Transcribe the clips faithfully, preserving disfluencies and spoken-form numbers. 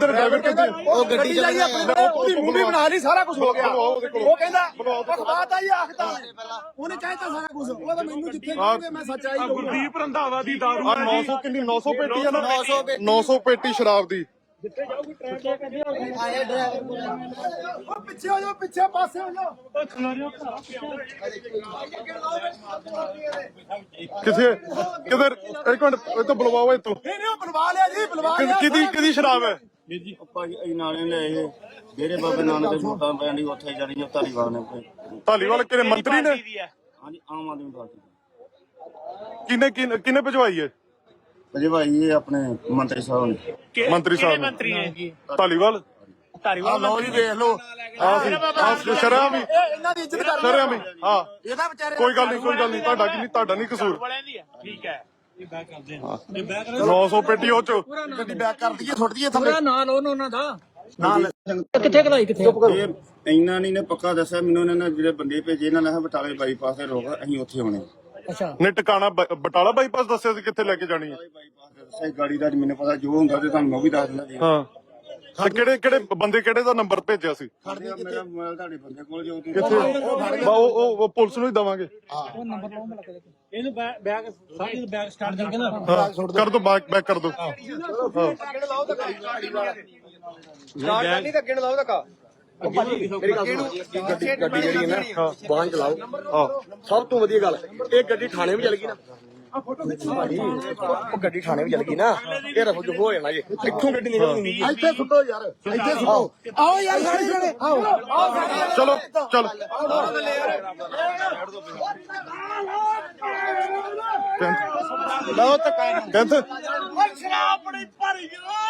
ਕਿੱਧਰ ਡਰਾਈਵਰ ਕਿੱਧਰ ਉਹ ਗੱਡੀ ਜਾਈ ਆਪਣੀ ਮੂਵੀ ਬਣਾ ਲਈ ਸਾਰਾ ਕੁਝ ਹੋ ਗਿਆ ਉਹ ਕਹਿੰਦਾ ਅਖਬਾਰ ਆ ਹੀ ਆਖਦਾ ਉਹਨੇ ਕਹਿਤਾ ਸਾਰਾ ਕੁਝ ਉਹ ਤਾਂ ਮੈਨੂੰ ਜਿੱਥੇ ਕਹੋਗੇ ਮੈਂ ਸੱਚਾਈ ਕਹੂੰਗਾ। ਗੁਰਦੀਪ ਰੰਧਾਵਾ ਦੀ ਦਾਰੂ ਆ ਨੌ ਸੌ ਕਿੰਨੀ ਨੌ ਸੌ ਪੇਟੀ ਆ ਨਾ ਨੌ ਸੌ ਪੇਟੀ ਸ਼ਰਾਬ ਦੀ ਜਿੱਥੇ ਜਾਊਗੀ ਟ੍ਰੈਫਿਕ ਆਏ ਡਰਾਈਵਰ ਉਹ ਪਿੱਛੇ ਹੋ ਜਾਓ ਪਿੱਛੇ ਪਾਸੇ ਹੋ ਜਾਓ ਕਿੱਥੇ ਕਿਧਰ ਇੱਕ ਮਿੰਟ ਇਹ ਤਾਂ ਬੁਲਵਾਓ ਇੱਥੋਂ ਨਹੀਂ ਨਹੀਂ ਉਹ ਬੁਲਵਾ ਲਿਆ ਜੀ ਬੁਲਵਾ ਲਿਆ ਕਿਹਦੀ ਕਿਹਦੀ ਸ਼ਰਾਬ ਹੈ ਵੀਰ ਜੀ ਆਪਾਂ ਨਾਲੇ ਨੇ ਇਹ ਡੇਰੇ ਬਾਬੇ ਨਾਨਕ ਦੇ ਵੋਟਾਂ ਪੈਣ ਦੀ ਉੱਥੇ ਜਾਣੀ ਧਾਲੀਵਾਲ ਨੇ ਧਾਲੀਵਾਲ ਕਿਹੜੇ ਮੰਤਰੀ ਨੇ ਹਾਂਜੀ ਆਮ ਆਦਮੀ ਪਾਰਟੀ ਕਿਹਨੇ ਕਿਹਨੇ ਕਿਹਨੇ ਭਜਵਾਈ ਹੈ ਅਜੇ ਭਾਈ ਇਹ ਆਪਣੇ ਮੰਤਰੀ ਸਾਹਿਬ ਨੇ ਮੰਤਰੀ ਸਾਹਿਬ ਮੰਤਰੀ ਹੈ ਜੀ ਧਾਲੀਵਾਲ ਧਾਰੀਵਾਲ ਲਓ ਜੀ ਵੇਖ ਲਓ ਆਹ ਸ਼ਰਾਬ ਵੀ ਇਹਨਾਂ ਦੀ ਇੱਜ਼ਤ ਕਰ ਸ਼ਰਾਬ ਵੀ ਹਾਂ ਇਹਦਾ ਵਿਚਾਰੇ ਕੋਈ ਗੱਲ ਨਹੀਂ ਕੋਈ ਗੱਲ ਨਹੀਂ ਤੁਹਾਡਾ ਕੀ ਨਹੀਂ ਤੁਹਾਡਾ ਨਹੀਂ ਕਸੂਰ ਵਾਲਿਆਂ ਦੀ ਹੈ ਠੀਕ ਹੈ ਇਹ ਬੈਕ ਕਰਦੇ ਹਾਂ ਨੌ ਸੌ ਪੇਟੀ ਉਹ ਚ ਗੱਡੀ ਬੈਕ ਕਰ ਦਈਏ ਸੁੱਟ ਦਈਏ ਥੱਲੇ ਨਾਲ ਉਹਨਾਂ ਦਾ ਨਾਲ ਕਿੱਥੇ ਕਢਾਈ ਕਿੱਥੇ ਇਹ ਇੰਨਾ ਨਹੀਂ ਨੇ ਪੱਕਾ ਦੱਸਿਆ ਮੈਨੂੰ ਇਹਨਾਂ ਨੇ ਜਿਹੜੇ ਬੰਦੇ ਭੇਜੇ ਇਹਨਾਂ ਨੇ ਬਟਾਲੇ ਬਾਈਪਾਸ ਤੇ ਰੋਕ ਅਸੀਂ ਉੱਥੇ ਆਉਣੇ ਅੱਛਾ ਨੇ ਟਿਕਾਣਾ ਬ- ਬਟਾਲਾ ਬਾਈਪਾਸ ਦੱਸਿਆ ਸੀ ਕਿੱਥੇ ਲੈ ਕੇ ਜਾਣੀ ਹੈ ਬਾਈਪਾਸ ਤੇ ਦੱਸਿਆ ਗਾੜੀ ਦਾ ਮੈਨੂੰ ਪਤਾ ਜੋ ਹੁੰਦਾ ਤੇ ਤੁਹਾਨੂੰ ਮੈਂ ਵੀ ਦੱਸ ਦਿੰਦਾ ਜੀ ਹਾਂ ਤੇ ਕਿਹੜੇ ਕਿਹੜੇ ਬੰਦੇ ਕਿਹੜੇ ਦਾ ਨੰਬਰ ਭੇਜਿਆ ਸੀ ਮੇਰਾ ਮੋਬਾਈਲ ਤੁਹਾਡੇ ਬੰਦੇ ਕੋਲ ਜੋ ਤੁਸੀਂ ਕਿੱਥੇ ਬਾ ਉਹ ਉਹ- ਉਹ ਪੁਲਿਸ ਨੂੰ ਹੀ ਦਵਾਂਗੇ ਇਹਨੂੰ ਬੈਗ ਸਾਡੀ ਬੈਗ ਸਟਾਰਟ ਕਰਕੇ ਨਾ ਹਾਂ ਕਰ ਦੋ ਬੈਕ ਬੈਕ ਕਰ ਦੋ ਨਹੀਂ ਤਾਂ ਅੱਗੇ ਨੂੰ ਲਾਓ ਧੱਕਾ ਗੱਡੀ ਜਿਹੜੀ ਹੈ ਨਾ ਵਾਹਨ ਚਲਾਓ ਹਾਂ ਸਭ ਤੋਂ ਵਧੀਆ ਗੱਲ ਇਹ ਗੱਡੀ ਥਾਣੇ ਵੀ ਚਲ ਗਈ ਨਾ ਭਾਜੀ ਉਹ ਗੱਡੀ ਥਾਣੇ ਵੀ ਚਲ ਗਈ ਨਾ ਇਹ ਰਫੂ ਜੋ ਹੋ ਜਾਣਾ ਜੀ ਇੱਥੋਂ ਗੱਡੀ ਨਿਕਲਣੀ ਨਹੀਂ ਇੱਥੇ ਸੁੱਟੋ ਯਾਰ ਇੱਥੇ ਸੁੱਟੋ ਆਓ ਯਾਰ ਸਾਰੇ ਜਣੇ ਆਓ ਆਓ ਚਲੋ ਚਲ ਲਓ ਧੱਕਾ ਕਹਿੰਦੇ ਸ਼ਰਾਬ ਬੜੀ ਭਰੀ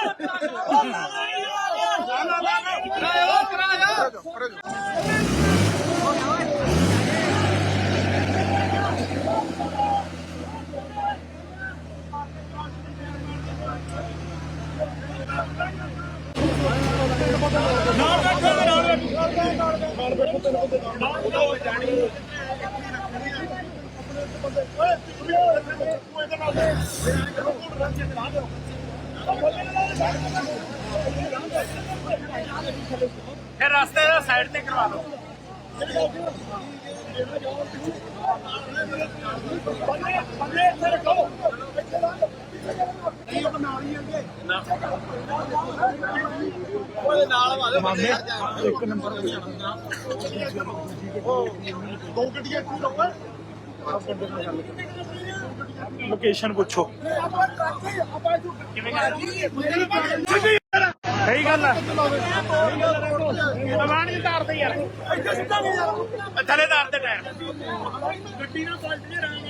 ਫਿਰ ਰਸਤੇ ਦਾ ਸਾਈਡ ਤੇ ਕਰਵਾ ਲਓ ਬੰਦੇ ਇੱਥੇ ਰੱਖੋ ਇੱਕ ਨੰਬਰ ਦੋ ਗੱਡੀਆਂ ਲੋਕੇਸ਼ਨ ਪੁੱਛੋ ਸਹੀ ਗੱਲ ਹੈ ਦਵਾਨ ਨਹੀਂ ਤਾਰਦੇ ਯਾਰ ਥੱਲੇ ਤਾਰ ਦੇ ਟਾਇਰ ਗੱਡੀ ਨਾਲ ਪਲਟ ਨਹੀਂ ਰਹਾ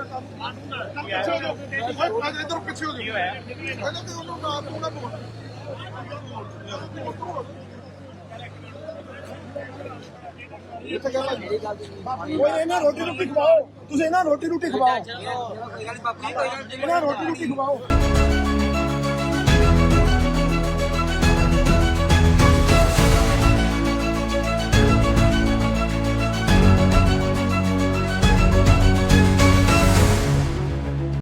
ਇਧਰ ਪਿੱਛੇ ਹੋ ਜਾਓ ਕਹਿੰਦਾ ਕਿ ਉਹਨੂੰ ਨਾ ਤੂੰ ਨਾ ਬੋਲ ਓਏ ਇਹਨਾਂ ਰੋਟੀ ਰੋਟੀ ਖਵਾਓ ਤੁਸੀਂ ਇਹਨਾਂ ਰੋਟੀ ਰੋਟੀ ਖਵਾਓ ਇਹਨਾਂ ਰੋਟੀ ਰੋਟੀ ਖਵਾਓ